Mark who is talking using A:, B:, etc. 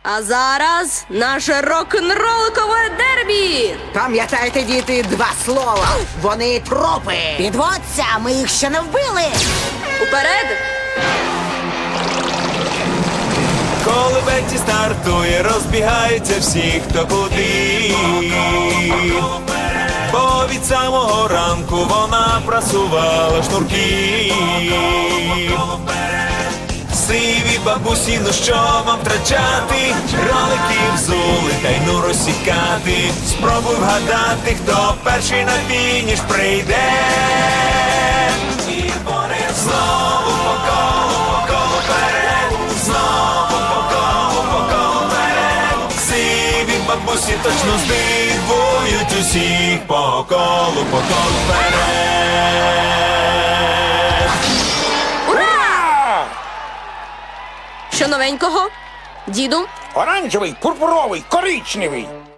A: А зараз наше рок-н-ролкове дербі!
B: Пам'ятайте, діти, два слова. Вони трупи.
C: Підводься, ми їх ще не вбили.
A: Уперед!
D: Коли Бетті стартує, розбігаються всі, хто куди. Бо від самого ранку вона прасувала шнурки. Сиві бабусі, ну що вам втрачати? Ролики взули, та й ну розсікати. Спробуй вгадати, хто перший на фініш прийде. І вони знову по колу вперед. Знову по колу вперед. Сиві бабусі точно здивують усіх. По колу вперед.
A: Що новенького? Діду?
E: Оранжевий, пурпуровий, коричневий.